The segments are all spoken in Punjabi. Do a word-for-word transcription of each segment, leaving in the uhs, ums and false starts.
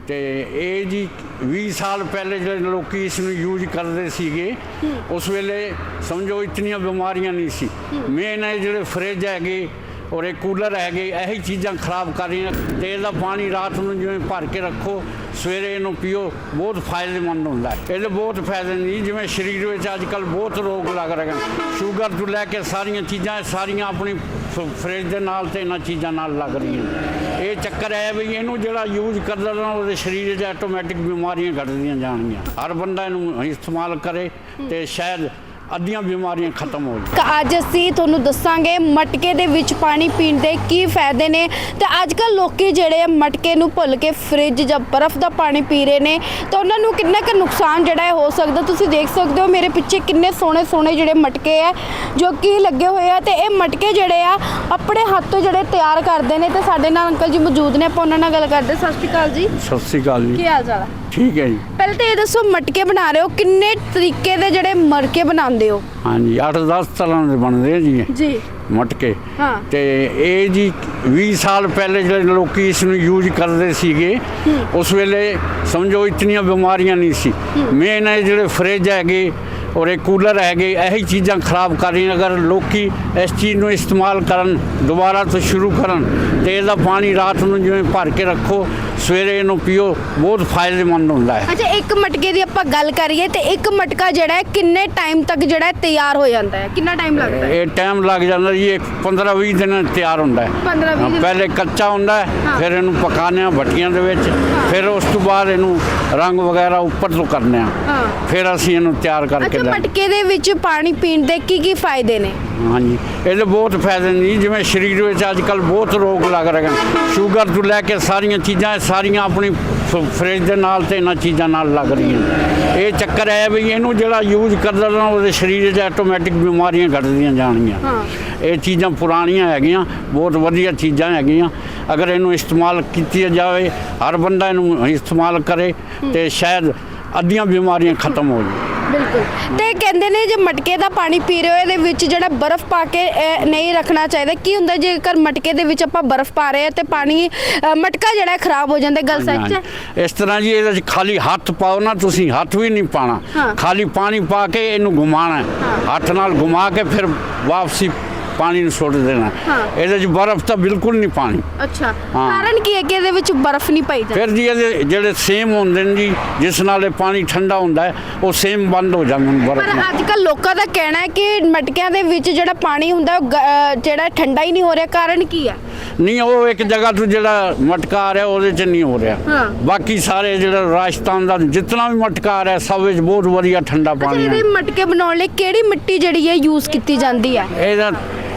ਤੇ ਇਹ ਜੀ ਵੀਹ ਸਾਲ ਪਹਿਲੇ ਜਿਹੜੇ ਲੋਕੀ ਇਸ ਨੂੰ ਯੂਜ਼ ਕਰਦੇ ਸੀਗੇ ਉਸ ਵੇਲੇ ਸਮਝੋ ਇਤਨੀਆਂ ਬਿਮਾਰੀਆਂ ਨਹੀਂ ਸੀ। ਮੇਨ ਇਹ ਜਿਹੜੇ ਫਰਿੱਜ ਹੈਗੇ ਔਰ ਇਹ ਕੂਲਰ ਹੈਗੇ ਇਹੀ ਚੀਜ਼ਾਂ ਖਰਾਬ ਕਰ ਰਹੀਆਂ। ਤੇ ਇਹਦਾ ਪਾਣੀ ਰਾਤ ਨੂੰ ਜਿਵੇਂ ਭਰ ਕੇ ਰੱਖੋ ਸਵੇਰੇ ਇਹਨੂੰ ਪੀਓ ਬਹੁਤ ਫਾਇਦੇਮੰਦ ਹੁੰਦਾ ਹੈ। ਇਹਦੇ ਬਹੁਤ ਫਾਇਦੇ ਨੇ ਜਿਵੇਂ ਸਰੀਰ ਵਿੱਚ ਅੱਜ ਕੱਲ੍ਹ ਬਹੁਤ ਰੋਗ ਲੱਗ ਰਹੇ ਹਨ, ਸ਼ੂਗਰ ਤੋਂ ਲੈ ਕੇ ਸਾਰੀਆਂ ਚੀਜ਼ਾਂ ਸਾਰੀਆਂ ਆਪਣੀ ਫਰਿੱਜ ਦੇ ਨਾਲ ਤੇ ਇਹਨਾਂ ਚੀਜ਼ਾਂ ਨਾਲ ਲੱਗ ਰਹੀਆਂ। ਇਹ ਚੱਕਰ ਹੈ ਵੀ ਇਹਨੂੰ ਜਿਹੜਾ ਯੂਜ਼ ਕਰਦਾ ਨਾ ਉਹਦੇ ਸਰੀਰ 'ਚ ਆਟੋਮੈਟਿਕ ਬਿਮਾਰੀਆਂ ਘਟਦੀਆਂ ਜਾਣਗੀਆਂ। ਹਰ ਬੰਦਾ ਇਹਨੂੰ ਇਸਤੇਮਾਲ ਕਰੇ ਤੇ ਸ਼ਾਇਦ ਅੱਧੀਆਂ ਬਿਮਾਰੀਆਂ ਖਤਮ ਹੋ ਜਾਣ। ਅੱਜ ਅਸੀਂ ਤੁਹਾਨੂੰ ਦੱਸਾਂਗੇ ਮਟਕੇ ਦੇ ਵਿੱਚ ਪਾਣੀ ਪੀਣ ਦੇ ਕੀ ਫਾਇਦੇ ਨੇ ਤੇ ਅੱਜ ਕੱਲ੍ਹ ਲੋਕੀ ਜਿਹੜੇ ਮਟਕੇ ਨੂੰ ਭੁੱਲ ਕੇ ਫਰਿੱਜ ਜਾਂ ਬਰਫ਼ ਦਾ ਪਾਣੀ ਪੀ ਰਹੇ ਨੇ ਤਾਂ ਉਹਨਾਂ ਨੂੰ ਕਿੰਨਾ ਕੁ ਨੁਕਸਾਨ ਜਿਹੜਾ ਹੈ ਹੋ ਸਕਦਾ। ਤੁਸੀਂ ਦੇਖ ਸਕਦੇ ਹੋ ਮੇਰੇ ਪਿੱਛੇ ਕਿੰਨੇ ਸੋਹਣੇ ਸੋਹਣੇ ਜਿਹੜੇ ਮਟਕੇ ਆ ਜੋ ਕਿ ਲੱਗੇ ਹੋਏ ਆ ਤੇ ਇਹ ਮਟਕੇ ਜਿਹੜੇ ਆ ਆਪਣੇ ਹੱਥ ਤੋਂ ਜਿਹੜੇ ਤਿਆਰ ਕਰਦੇ ਨੇ ਤੇ ਸਾਡੇ ਨਾਲ ਅੰਕਲ ਜੀ ਮੌਜੂਦ ਨੇ, ਆਪਾਂ ਉਹਨਾਂ ਨਾਲ ਗੱਲ ਕਰਦੇ। ਸਤਿ ਸ਼੍ਰੀ ਅਕਾਲ ਜੀ। ਸਤਿ ਸ਼੍ਰੀ ਅਕਾਲ ਜੀ। ਕੀ ਹਾਲ ਚਾਲ ਹੈ? ਠੀਕ ਹੈ ਜੀ। ਪਹਿਲੇ ਤਾਂ ਇਹ ਦੱਸੋ ਮਟਕੇ ਬਣਾ ਰਹੇ ਹੋ ਕਿੰਨੇ ਤਰੀਕੇ ਦੇ ਜਿਹੜੇ ਮਟਕੇ ਬਣਾਉਂਦੇ ਹੋ? ਹਾਂਜੀ ਅੱਠ ਦਸ ਤਰ੍ਹਾਂ ਦੇ ਬਣਦੇ ਆ ਜੀ ਜੀ ਮਟਕੇ। ਹਾਂ ਤੇ ਇਹ ਜੀ ਵੀਹ ਸਾਲ ਪਹਿਲੇ ਜਿਹੜੇ ਲੋਕੀ ਇਸ ਨੂੰ ਯੂਜ਼ ਕਰਦੇ ਸੀਗੇ ਉਸ ਵੇਲੇ ਸਮਝੋ ਇਤਨੀਆਂ ਬਿਮਾਰੀਆਂ ਨਹੀਂ ਸੀ। ਮੇਨ ਇਹ ਜਿਹੜੇ ਫਰਿੱਜ ਹੈਗੇ ਔਰ ਇਹ ਕੂਲਰ ਹੈਗੇ ਇਹੀ ਚੀਜ਼ਾਂ ਖਰਾਬ ਕਰ ਰਹੀਆਂ। ਅਗਰ ਲੋਕੀ ਇਸ ਚੀਜ਼ ਨੂੰ ਇਸਤੇਮਾਲ ਕਰਨ ਦੁਬਾਰਾ ਤੋਂ ਸ਼ੁਰੂ ਕਰਨ ਤੇ ਇਹਦਾ ਪਾਣੀ ਰਾਤ ਨੂੰ ਜਿਵੇਂ ਭਰ ਕੇ ਰੱਖੋ ਸਵੇਰੇ ਇਹਨੂੰ ਪੀਓ ਬਹੁਤ ਫਾਇਦੇਮੰਦ ਹੁੰਦਾ ਹੈ। ਅੱਛਾ ਇੱਕ ਮਟਕੇ ਦੀ ਆਪਾਂ ਗੱਲ ਕਰੀਏ ਤੇ ਇੱਕ ਮਟਕਾ ਜਿਹੜਾ ਹੈ ਕਿੰਨੇ ਟਾਈਮ ਤੱਕ ਜਿਹੜਾ ਹੈ ਤਿਆਰ ਹੋ ਜਾਂਦਾ ਹੈ? ਕਿੰਨਾ ਟਾਈਮ ਲੱਗਦਾ ਹੈ? ਇਹ ਟਾਈਮ ਲੱਗ ਜਾਂਦਾ ਜੀ ਇਹ ਪੰਦਰਾਂ ਵੀਹ ਦਿਨ ਤਿਆਰ ਹੁੰਦਾ ਹੈ। ਪੰਦਰਾਂ ਵੀਹ ਦਿਨ ਪਹਿਲੇ ਕੱਚਾ ਹੁੰਦਾ ਹੈ ਫਿਰ ਇਹਨੂੰ ਪਕਾਉਂਦੇ ਆ ਭੱਟੀਆਂ ਦੇ ਵਿੱਚ, ਫਿਰ ਉਸ ਤੋਂ ਬਾਅਦ ਇਹਨੂੰ ਰੰਗ ਵਗੈਰਾ ਉੱਪਰ ਤੋਂ ਕਰਨੇ ਆ, ਫਿਰ ਅਸੀਂ ਇਹਨੂੰ ਤਿਆਰ ਕਰਕੇ ਅੱਛਾ ਮਟਕੇ ਦੇ ਵਿੱਚ ਪਾਣੀ ਪੀਣ ਦੇ ਕੀ ਕੀ ਫਾਇਦੇ ਨੇ? ਹਾਂਜੀ ਇਹਦੇ ਬਹੁਤ ਫਾਇਦੇ ਨੇ ਜਿਵੇਂ ਸਰੀਰ ਵਿੱਚ ਅੱਜ ਕੱਲ੍ਹ ਬਹੁਤ ਰੋਗ ਲੱਗ ਰਹੇ ਹਨ, ਸ਼ੂਗਰ ਤੋਂ ਲੈ ਕੇ ਸਾਰੀਆਂ ਚੀਜ਼ਾਂ ਸਾਰੀਆਂ ਆਪਣੀ ਫਰਿੱਜ ਦੇ ਨਾਲ ਤੇ ਇਹਨਾਂ ਚੀਜ਼ਾਂ ਨਾਲ ਲੱਗ ਰਹੀਆਂ। ਇਹ ਚੱਕਰ ਹੈ ਵੀ ਇਹਨੂੰ ਜਿਹੜਾ ਯੂਜ਼ ਕਰਦਾ ਨਾ ਉਹਦੇ ਸਰੀਰ 'ਚ ਆਟੋਮੈਟਿਕ ਬਿਮਾਰੀਆਂ ਘਟਦੀਆਂ ਜਾਣਗੀਆਂ। ਇਹ ਚੀਜ਼ਾਂ ਪੁਰਾਣੀਆਂ ਹੈਗੀਆਂ, ਬਹੁਤ ਵਧੀਆ ਚੀਜ਼ਾਂ ਹੈਗੀਆਂ। ਅਗਰ ਇਹਨੂੰ ਇਸਤੇਮਾਲ ਕੀਤੀ ਜਾਵੇ ਹਰ ਬੰਦਾ ਇਹਨੂੰ ਇਸਤੇਮਾਲ ਕਰੇ ਤੇ ਸ਼ਾਇਦ ਅੱਧੀਆਂ ਬਿਮਾਰੀਆਂ ਖਤਮ ਹੋ ਜਾਣ। ਬਿਲਕੁਲ। ਤੇ ਕਹਿੰਦੇ ਨੇ ਜੇ ਮਟਕੇ ਦਾ ਪਾਣੀ ਪੀ ਰਹੇ ਹੋ ਇਹਦੇ ਵਿੱਚ ਜਿਹੜਾ ਬਰਫ਼ ਪਾ ਕੇ ਨਹੀਂ ਰੱਖਣਾ ਚਾਹੀਦਾ। ਕੀ ਹੁੰਦਾ ਜੇਕਰ ਮਟਕੇ ਦੇ ਵਿੱਚ ਆਪਾਂ ਬਰਫ਼ ਪਾ ਰਹੇ ਹਾਂ ਤੇ ਪਾਣੀ ਮਟਕਾ ਜਿਹੜਾ ਖਰਾਬ ਹੋ ਜਾਂਦਾ? ਗੱਲ ਸੱਚ ਹੈ? ਇਸ ਤਰ੍ਹਾਂ ਜੀ ਇਹਦੇ 'ਚ ਖਾਲੀ ਹੱਥ ਪਾਓ ਨਾ, ਤੁਸੀਂ ਹੱਥ ਵੀ ਨਹੀਂ ਪਾਣਾ, ਖਾਲੀ ਪਾਣੀ ਪਾ ਕੇ ਇਹਨੂੰ ਘੁਮਾਉਣਾ, ਹੱਥ ਨਾਲ ਘੁਮਾ ਕੇ ਫਿਰ ਵਾਪਸੀ ਪਾਣੀ ਨੂੰ ਸੁੱਟ ਦੇਣਾ। ਇਹਦੇ 'ਚ ਬਰਫ਼ ਤਾਂ ਬਿਲਕੁਲ ਨਹੀਂ ਪਾਣੀ। ਅੱਛਾ ਕਾਰਨ ਕੀ ਹੈ ਕਿ ਇਹਦੇ ਵਿੱਚ ਬਰਫ਼ ਨਹੀਂ ਪਾਈ ਜਾਂਦੀ? ਫਿਰ ਜੀ ਇਹਦੇ ਜਿਹੜੇ ਸੇਮ ਹੁੰਦੇ ਨੇ ਜੀ ਜਿਸ ਨਾਲ ਇਹ ਪਾਣੀ ਠੰਡਾ ਹੁੰਦਾ ਹੈ ਉਹ ਸੇਮ ਬੰਦ ਹੋ ਜਾਂਦੇ ਨੇ ਬਰਫ਼ ਨਾਲ। ਪਰ ਅੱਜ ਕੱਲ੍ਹ ਲੋਕਾਂ ਦਾ ਕਹਿਣਾ ਹੈ ਕਿ ਮਟਕਿਆਂ ਦੇ ਵਿੱਚ ਜਿਹੜਾ ਪਾਣੀ ਹੁੰਦਾ ਉਹ ਜਿਹੜਾ ਠੰਡਾ ਹੀ ਨਹੀਂ ਹੋ ਰਿਹਾ, ਕਾਰਨ ਕੀ ਹੈ? ਨਹੀਂ ਉਹ ਇੱਕ ਜਗ੍ਹਾ ਤੋਂ ਜਿਹੜਾ ਮਟਕਾ ਆ ਰਿਹਾ ਉਹਦੇ 'ਚ ਨਹੀਂ ਹੋ ਰਿਹਾ। ਬਾਕੀ ਸਾਰੇ ਜਿਹੜਾ ਰਾਜਸਥਾਨ ਦਾ ਜਿੰਨਾ ਵੀ ਮਟਕਾ ਆ ਰਿਹਾ ਸਭ ਵਿੱਚ ਬਹੁਤ ਵਧੀਆ ਠੰਡਾ ਪਾਣੀ ਹੈ। ਇਹਦੇ ਮਟਕੇ ਬਣਾਉਣ ਲਈ ਕਿਹੜੀ ਮਿੱਟੀ ਜਿਹੜੀ ਹੈ ਯੂਜ਼ ਕੀਤੀ ਜਾਂਦੀ ਹੈ? ਇਹਦਾ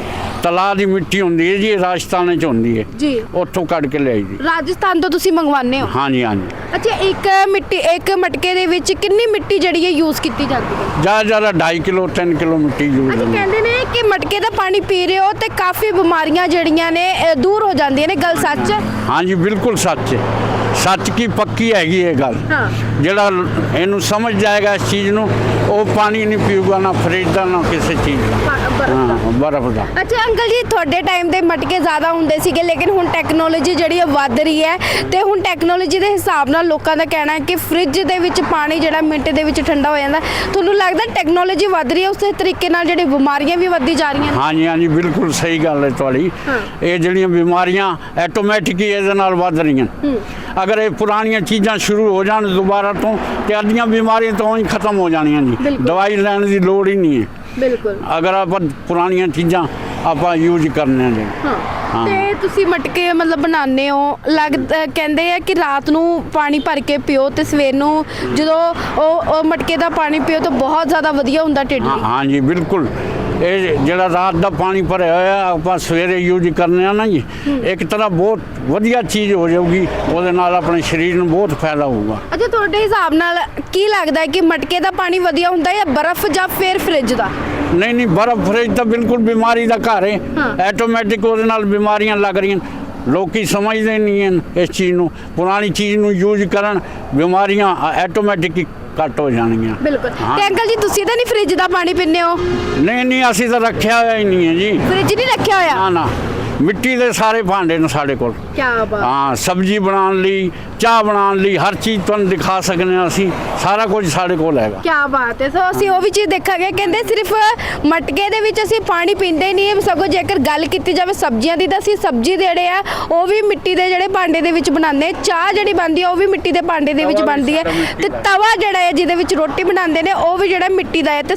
ਤਲਾ ਦੀ ਮਿੱਟੀ ਹੁੰਦੀ ਹੈ ਜੀ, ਰਾਜਸਥਾਨ 'ਚ ਹੁੰਦੀ ਹੈ ਜੀ, ਉੱਥੋਂ ਕੱਢ ਕੇ ਲਿਆਈ ਜੀ। ਰਾਜਸਥਾਨ ਤੋਂ ਤੁਸੀਂ ਮੰਗਵਾਉਂਦੇ ਹੋ? ਹਾਂਜੀ ਹਾਂਜੀ। ਅੱਛਾ ਇੱਕ ਮਿੱਟੀ ਇੱਕ ਮਟਕੇ ਦੇ ਵਿੱਚ ਕਿੰਨੀ ਮਿੱਟੀ ਜਿਹੜੀ ਹੈ ਯੂਜ਼ ਕੀਤੀ ਜਾਂਦੀ ਹੈ? ਜ਼ਿਆਦਾ ਜ਼ਿਆਦਾ ਢਾਈ ਕਿਲੋ ਤਿੰਨ ਕਿਲੋ ਮਿੱਟੀ ਯੂਜ਼ ਅੱਛਾ ਹੁੰਦੀ ਹੈ। ਕਹਿੰਦੇ ਨੇ ਕਿ ਮਟਕੇ ਦਾ ਪਾਣੀ ਪੀ ਰਹੇ ਹੋ ਤੇ ਕਾਫੀ ਬਿਮਾਰੀਆਂ ਜਿਹੜੀਆਂ ਨੇ ਦੂਰ ਹੋ ਜਾਂਦੀਆਂ ਨੇ, ਗੱਲ ਸੱਚ ਹੈ? ਹਾਂਜੀ ਬਿਲਕੁਲ ਸੱਚ ਹੈ, ਸੱਚ ਕੀ ਪੱਕੀ ਹੈਗੀ ਇਹ ਗੱਲ। ਜਿਹੜਾ ਇਹਨੂੰ ਸਮਝ ਜਾਏਗਾ ਇਸ ਚੀਜ਼ ਨੂੰ ਉਹ ਪਾਣੀ ਨਹੀਂ ਪੀਊਗਾ ਨਾ ਫਰਿੱਜ ਦਾ ਨਾ ਕਿਸੇ ਚੀਜ਼ ਦਾ, ਹਾਂ ਬਰਫ਼ ਦਾ। ਅੱਛਾ ਅੰਕਲ ਜੀ ਤੁਹਾਡੇ ਟਾਈਮ ਦੇ ਮਟਕੇ ਜ਼ਿਆਦਾ ਹੁੰਦੇ ਸੀਗੇ ਲੇਕਿਨ ਹੁਣ ਟੈਕਨੋਲੋਜੀ ਜਿਹੜੀ ਹੈ ਵੱਧ ਰਹੀ ਹੈ ਤੇ ਹੁਣ ਟੈਕਨੋਲੋਜੀ ਦੇ ਹਿਸਾਬ ਨਾਲ ਲੋਕਾਂ ਦਾ ਕਹਿਣਾ ਹੈ ਕਿ ਫਰਿੱਜ ਦੇ ਵਿੱਚ ਪਾਣੀ ਜਿਹੜਾ ਮਿੰਟ ਦੇ ਵਿੱਚ ਠੰਡਾ ਹੋ ਜਾਂਦਾ। ਤੁਹਾਨੂੰ ਲੱਗਦਾ ਟੈਕਨੋਲੋਜੀ ਵੱਧ ਰਹੀ ਹੈ ਉਸੇ ਤਰੀਕੇ ਨਾਲ ਜਿਹੜੀ ਬਿਮਾਰੀਆਂ ਵੀ ਵੱਧਦੀ ਜਾ ਰਹੀਆਂ? ਹਾਂਜੀ ਹਾਂਜੀ ਬਿਲਕੁਲ ਸਹੀ ਗੱਲ ਹੈ ਤੁਹਾਡੀ। ਇਹ ਜਿਹੜੀਆਂ ਬਿਮਾਰੀਆਂ ਆਟੋਮੈਟਿਕ ਹੀ ਇਹਦੇ ਨਾਲ ਵੱਧ ਰਹੀਆਂ। ਅਗਰ ਇਹ ਪੁਰਾਣੀਆਂ ਚੀਜ਼ਾਂ ਸ਼ੁਰੂ ਹੋ ਜਾਣ ਦੁਬਾਰਾ ਤੋਂ ਤੇ ਅੱਧੀਆਂ ਬਿਮਾਰੀਆਂ ਤੋਂ ਹੀ ਖਤਮ ਹੋ ਜਾਣੀਆਂ ਜੀ, ਦਵਾਈ ਲੈਣ ਦੀ ਲੋੜ ਹੀ ਨਹੀਂ ਹੈ। ਬਿਲਕੁਲ ਅਗਰ ਆਪਾਂ ਪੁਰਾਣੀਆਂ ਚੀਜ਼ਾਂ ਆਪਾਂ ਯੂਜ਼ ਕਰਨੇ ਜੀ। ਹਾਂ ਤੇ ਤੁਸੀਂ ਮਟਕੇ ਮਤਲਬ ਬਣਾਉਂਦੇ ਹੋ, ਲੱਗ ਕਹਿੰਦੇ ਆ ਕਿ ਰਾਤ ਨੂੰ ਪਾਣੀ ਭਰ ਕੇ ਪੀਓ ਤੇ ਸਵੇਰ ਨੂੰ ਜਦੋਂ ਉਹ ਉਹ ਮਟਕੇ ਦਾ ਪਾਣੀ ਪੀਓ ਤਾਂ ਬਹੁਤ ਜ਼ਿਆਦਾ ਵਧੀਆ ਹੁੰਦਾ ਢਿੱਡ ਲਈ। ਹਾਂਜੀ ਬਿਲਕੁਲ। ਇਹ ਜਿਹੜਾ ਰਾਤ ਦਾ ਪਾਣੀ ਭਰਿਆ ਹੋਇਆ ਆਪਾਂ ਸਵੇਰੇ ਯੂਜ਼ ਕਰਨੇ ਆ ਨਾ ਜੀ, ਇੱਕ ਤਰ੍ਹਾਂ ਬਹੁਤ ਵਧੀਆ ਚੀਜ਼ ਹੋ ਜਾਊਗੀ, ਉਹਦੇ ਨਾਲ ਆਪਣੇ ਸਰੀਰ ਨੂੰ ਬਹੁਤ ਫਾਇਦਾ ਹੋਊਗਾ। ਅੱਛਾ ਤੁਹਾਡੇ ਹਿਸਾਬ ਨਾਲ ਕੀ ਲੱਗਦਾ ਹੈ ਕਿ ਮਟਕੇ ਦਾ ਪਾਣੀ ਵਧੀਆ ਹੁੰਦਾ ਜਾਂ ਬਰਫ਼ ਜਾਂ ਫਿਰ ਫਰਿੱਜ ਦਾ? ਨਹੀਂ ਨਹੀਂ ਬਰਫ਼ ਫਰਿੱਜ ਤਾਂ ਬਿਲਕੁਲ ਬਿਮਾਰੀ ਦਾ ਘਰ ਹੈ, ਆਟੋਮੈਟਿਕ ਉਹਦੇ ਨਾਲ ਬਿਮਾਰੀਆਂ ਲੱਗ ਰਹੀਆਂ। ਲੋਕੀ ਸਮਝਦੇ ਨਹੀਂ ਹਨ ਇਸ ਚੀਜ਼ ਨੂੰ, ਪੁਰਾਣੀ ਚੀਜ਼ ਨੂੰ ਯੂਜ਼ ਕਰਨ ਬਿਮਾਰੀਆਂ ਆਟੋਮੈਟਿਕ ਹੀ ਘੱਟ ਹੋ ਜਾਣਗੀਆਂ। ਬਿਲਕੁਲ। ਤੇ ਅੰਕਲ ਜੀ ਤੁਸੀਂ ਤਾਂ ਨਹੀਂ ਫਰਿੱਜ ਦਾ ਪਾਣੀ ਪੀਂਦੇ ਹੋ? ਨਹੀਂ ਨਹੀਂ ਅਸੀਂ ਤਾਂ ਰੱਖਿਆ ਹੋਇਆ ਹੀ ਨਹੀਂ ਹੈ ਜੀ। ਫਰਿੱਜ ਨਹੀਂ ਰੱਖਿਆ ਹੋਇਆ? ਨਾ ਨਾ ਮਿੱਟੀ ਦੇ ਸਾਰੇ ਭਾਂਡੇ ਨੇ ਸਾਡੇ ਕੋਲ। ਕੀ ਬਾਤ। ਹਾਂ, ਸਬਜ਼ੀ ਬਣਾਉਣ ਲਈ, ਚਾਹ ਬਣਾਉਣ ਲਈ, ਹਰ ਚੀਜ਼ ਤੁਹਾਨੂੰ ਦਿਖਾ ਸਕਦੇ ਹਾਂ ਅਸੀਂ, ਸਾਰਾ ਕੁਝ ਸਾਡੇ ਕੋਲ ਹੈਗਾ। ਕੀ ਬਾਤ ਹੈ। ਸੋ ਅਸੀਂ ਉਹ ਵੀ ਚੀਜ਼ ਦੇਖਾਂਗੇ, ਕਹਿੰਦੇ ਸਿਰਫ ਮਟਕੇ ਦੇ ਵਿੱਚ ਅਸੀਂ ਪਾਣੀ ਪੀਂਦੇ ਨਹੀਂ, ਸਗੋਂ ਜੇਕਰ ਗੱਲ ਕੀਤੀ ਜਾਵੇ ਸਬਜ਼ੀਆਂ ਦੀ ਤਾਂ ਅਸੀਂ ਸਬਜ਼ੀ ਦੇ ਜਿਹੜੇ ਆ ਉਹ ਵੀ ਮਿੱਟੀ ਦੇ ਜਿਹੜੇ ਭਾਂਡੇ ਦੇ ਵਿੱਚ ਬਣਾਉਂਦੇ, ਚਾਹ ਜਿਹੜੀ ਬਣਦੀ ਹੈ ਉਹ ਵੀ ਮਿੱਟੀ ਦੇ ਭਾਂਡੇ ਦੇ ਵਿੱਚ ਬਣਦੀ ਹੈ, ਤੇ ਤਵਾ ਜਿਹੜਾ ਹੈ ਜਿਹਦੇ ਵਿੱਚ ਰੋਟੀ ਬਣਾਉਂਦੇ ਨੇ ਉਹ ਵੀ ਜਿਹੜਾ ਮਿੱਟੀ ਦਾ ਹੈ, ਤੇ